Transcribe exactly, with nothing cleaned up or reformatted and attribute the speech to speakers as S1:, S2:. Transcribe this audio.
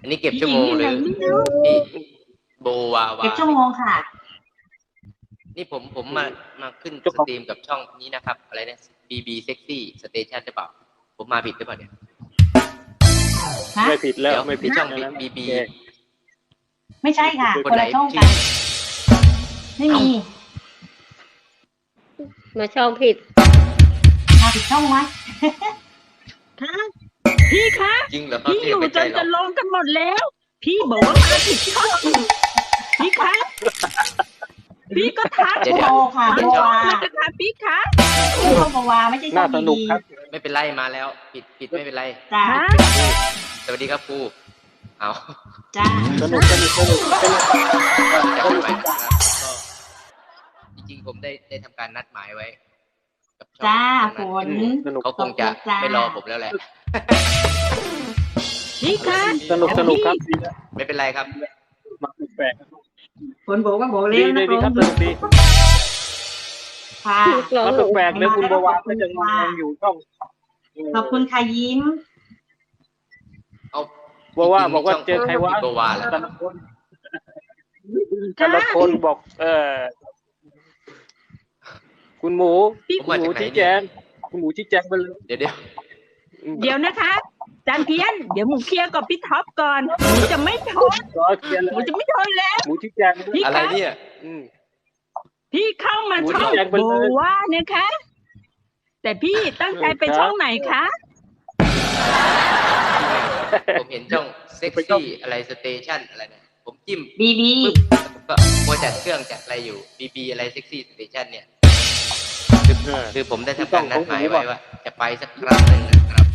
S1: อันนี้เก็บชั่วโมงหรือพี่โบวาวา
S2: เก็บชั่วโมงค่ะ
S1: นี่ผมผมมามาขึ้นสตรีมกับช่องนี้นะครับอะไรเนี่ย บี บี Sexy Station ใช่เปล่าผมมาผิดหรือเปล่าเนี่ย
S3: ไม่ผิดแล้วไม่ผิด
S1: ช่อง บี บี
S2: ไม่ใช่ค่ะคนละช่องกันไม่มี
S4: มาช่องผิด
S2: มาผิดช่องไหม
S5: คะพี่คะ
S1: จริงเหรอ
S5: พี่อยู่จนจะลงกันหมดแล้ว พี่บอกว่ามาผิดช่องพี่คะพี่ก็ทัก
S2: โบค่ะโบวา
S5: จะทักพี่คะ
S2: ช่องโบวาไม่ใช่ช่อง
S3: สนุกครับ
S1: ไม่เป็นไรมาแล้วผิดผิดไม่เป็นไร
S2: จ้า
S1: สวัสดีครับครูเอา
S2: จ้า
S3: สนุกสนุกสนุกสนุก
S1: จะไปนะครับก็จริงๆผมได้ได้ทำการนัดหมายไว้กับช่อง
S2: จ้าฝน
S1: เขาคงจะไม่รอผมแล้วแหละ
S5: พี่คะ
S3: สนุกสนุกครับ
S1: ไม่เป็นไรครับ
S3: มาแปลก
S2: ฝนโบก็โบ
S3: ดี
S2: เล่น
S3: ดี
S2: นะ
S3: ดีครับสนุกดี
S2: ค่ะ
S3: มาแปลกเลยคุณบวรก็ยังยังอยู่ช่อง
S2: ขอบคุณค่ะยิ้ม
S1: เอา
S3: บอกว่าบอกว่าเจอใครวะ
S1: โบวาแล้ว
S3: แต่ละคนแต่ละคนบอก เออคุณหมูคุณหมูชี้แจงคุณหมูชี้แจงไปเลย
S1: เดี๋ยวเดี๋ยว
S5: เดี๋ยวนะคะจานเพียนเดี๋ยวหมูเคลียร์กับพี่ท็อปก่อนหมูจะไม่ทน
S3: รอเคลียร์เล
S5: หมู
S3: ย
S5: จะไม่ทนแล้ว
S3: หมูชี้แจง
S5: พี่
S1: อะไร
S5: คะ
S1: เนี่ย
S3: อืม
S5: พี่เข้ามาช่องโบว่านะคะ แต่พี่ตั้งใจไปช่องไหนคะ
S1: ผมเห็นช่องเซ็กซี่อะไรสเตชันอะไรเนี่ยผมจิ้ม
S2: บีบี
S1: ก็โมจัดเครื่องจัดอะไรอยู่ บี บี อะไรเซ็กซี่สเตชันเนี่ยคือคือผมได้ทำการนัดหมายไว้ว่า จะไปสักครั้งหนึ่งนะครับ